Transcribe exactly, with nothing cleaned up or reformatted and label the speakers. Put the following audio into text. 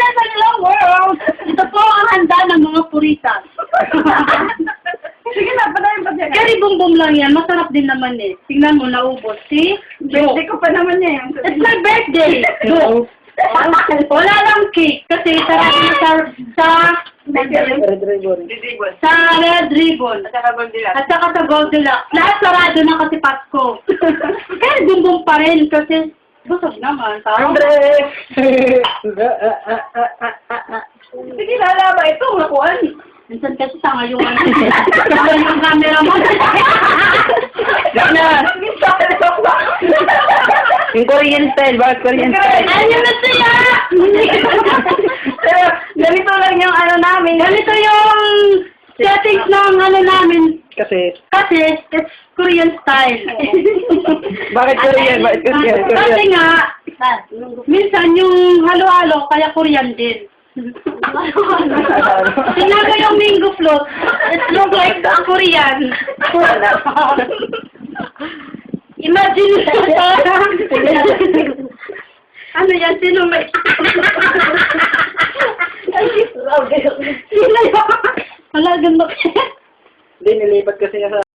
Speaker 1: sa nilang world. Ito po ang handa ng mga puritas.
Speaker 2: Sige na, patayin pa dyan.
Speaker 1: Kari bumbum lang yan. Masarap din naman eh. Tingnan mo, naubos. See?
Speaker 2: Birthday ko pa naman niya yan.
Speaker 1: It's my birthday. Go. Wala lang cake. Kasi sarap na sa, sa,
Speaker 3: Red ribbon.
Speaker 2: Didibon.
Speaker 1: sa red ribbon.
Speaker 2: At saka Goldilocks.
Speaker 1: At saka sa Goldilocks. Lahat sarado na kasi Pasko. Kaya bumbum pa rin kasi busog naman. Parang
Speaker 3: Andre!
Speaker 2: Sige, lalaba. Ito, nakuhan.
Speaker 1: minsan kasi tanga yung ano. Tanga yung camera mo.
Speaker 3: Yan na! Yung Korean style, bakit Korean style?
Speaker 1: Ayun na siya!
Speaker 2: Pero, ganito lang yung ano namin.
Speaker 1: Ganito yung settings ng ano namin.
Speaker 3: Kasi,
Speaker 1: Kasi, it's Korean style.
Speaker 3: bakit Korean? Bakit Korean?
Speaker 1: Kasi
Speaker 3: Korean?
Speaker 1: nga, minsan yung halo-halo, kaya Korean din. Tingnan ko yung mango float. It looks like a Korean. Imagine ano yan? Sino may... Sino yun? Wala, ganda.
Speaker 3: Hindi, nilipat kasi niya sa